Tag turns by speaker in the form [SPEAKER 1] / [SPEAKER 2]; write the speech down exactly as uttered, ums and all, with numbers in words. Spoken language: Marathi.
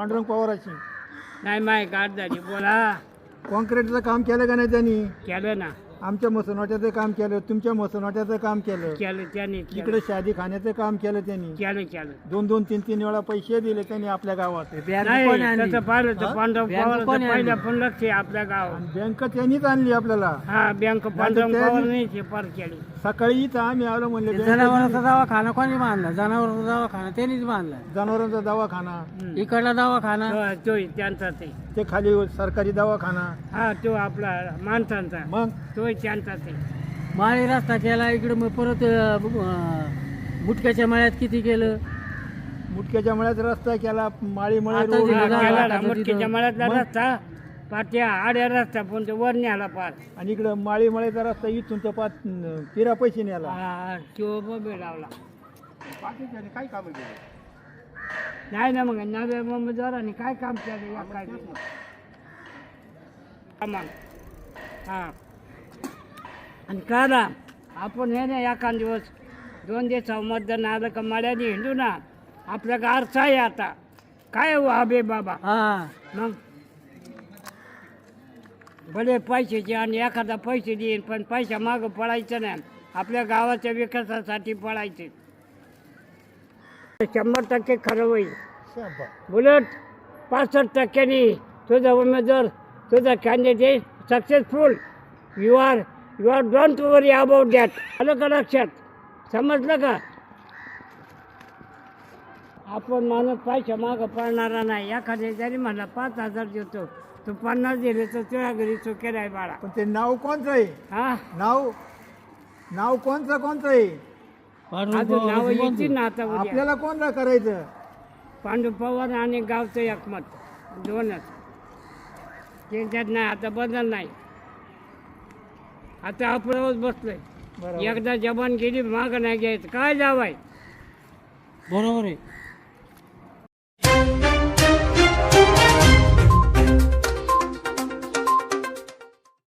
[SPEAKER 1] पांडुरंग पवाराची.
[SPEAKER 2] नाही माय गाठ झाली बोला.
[SPEAKER 1] कॉन्क्रीटचं काम केलं का नाही त्यांनी?
[SPEAKER 2] केलं ना.
[SPEAKER 1] आमच्या मसनवाट्याचं काम केलं, तुमच्या मसनवाट्याचं काम केलं,
[SPEAKER 2] केलं त्याने केलं.
[SPEAKER 1] इकडे शादी खाण्याचं काम केलं त्यांनी.
[SPEAKER 2] केलं केलं.
[SPEAKER 1] दोन दोन तीन तीन वेळा पैसे दिले त्यांनी आपल्या गावात.
[SPEAKER 2] नाही तसं पाहिलं तर
[SPEAKER 1] हा?
[SPEAKER 2] पांडव पवाराचं पहिल्या पण लक्ष आहे आपल्या गावात.
[SPEAKER 1] आणि बँक त्यांनीच आणली आपल्याला.
[SPEAKER 2] हा बँक पांडव
[SPEAKER 1] त्या-
[SPEAKER 2] पवार नाही ते पार केली.
[SPEAKER 1] सकाळी इथं आम्ही आलो म्हणले बँकेत-
[SPEAKER 3] जनावरांचा दवाखाना कोणी बांधला? जनावरांचा दवाखाना त्यांनीच बांधला.
[SPEAKER 1] जनावरांचा दवाखाना,
[SPEAKER 3] इकडला दवाखाना
[SPEAKER 2] तो- तो त्यांचा ते
[SPEAKER 1] ते खाली सरकारी दवाखाना.
[SPEAKER 2] हा तो आपला माणसांचा
[SPEAKER 1] मग
[SPEAKER 2] तो त्यांचा ते
[SPEAKER 3] माळी रस्ता केला इकडे. मग परत अं, मुटक्याच्या मळ्यात किती केलं?
[SPEAKER 1] मुटक्याच्या मळ्यात रस्ता केला, माळी मळे
[SPEAKER 3] आता
[SPEAKER 1] रोड
[SPEAKER 3] दिलं
[SPEAKER 2] हा,
[SPEAKER 3] का?
[SPEAKER 1] केला.
[SPEAKER 2] केला
[SPEAKER 3] आता
[SPEAKER 2] ना, मुटकीच्या
[SPEAKER 3] तिथं-
[SPEAKER 2] मळ्यातला
[SPEAKER 1] मग?
[SPEAKER 2] रस्ता पाट्या आड्या रस्ता पण तो वर न्याला पार.
[SPEAKER 1] आणि इकडं माळी मळ्याचा रस्ता इथून तर पाच पिरा पैसे नेला.
[SPEAKER 2] हा तो बबे लावला.
[SPEAKER 1] काय काम
[SPEAKER 2] नाही ना मग नव्या मुंबईदारांनी काय काम केलं या काय सामान. हा आणि करा आपण हे ना एखाद दिवस दोन दिवस मतदान आलं का मळ्याने हिंडू ना आपल्या का अर्थ आहे आता काय हो आबे बाबा.
[SPEAKER 3] हा
[SPEAKER 2] मग भले पैशाचे आणि एखादा पैसे देईन पण पैसा मागं पडायचं नाही. आपल्या गावाच्या विकासासाठी पडायचे. शंभर टक्के खरं होईल. बुलेट पासष्ट टक्क्यांनी तुझा उमेदवार तुझा candidate successful. You are you are don't worry about that. आलं का लक्षात? समजलं का? आपण माणूस पैसा मागं पडणारा नाही. एखाद्या जरी म्हणला पाच हजार देतो तू पन्नास दिले तर तुझ्या घरी चुकेल आहे बाळा.
[SPEAKER 1] पण ते नाव कोणचं आहे?
[SPEAKER 2] हा
[SPEAKER 1] नाव नाव कोणचं कोणचं आहे?
[SPEAKER 2] अजून नाव येतील ना आता उद्या.
[SPEAKER 1] आपल्याला कोणतं करायचं?
[SPEAKER 2] पांडू पवार आणि गावचं एकमत दोनच. त्यांच्यात नाही आता बदल नाही. आता आपण बसलोय.
[SPEAKER 1] बरोबर.
[SPEAKER 2] एकदा जबान गेली मागं नाही घ्यायचं काय जावाय.
[SPEAKER 3] बरोबर आहे.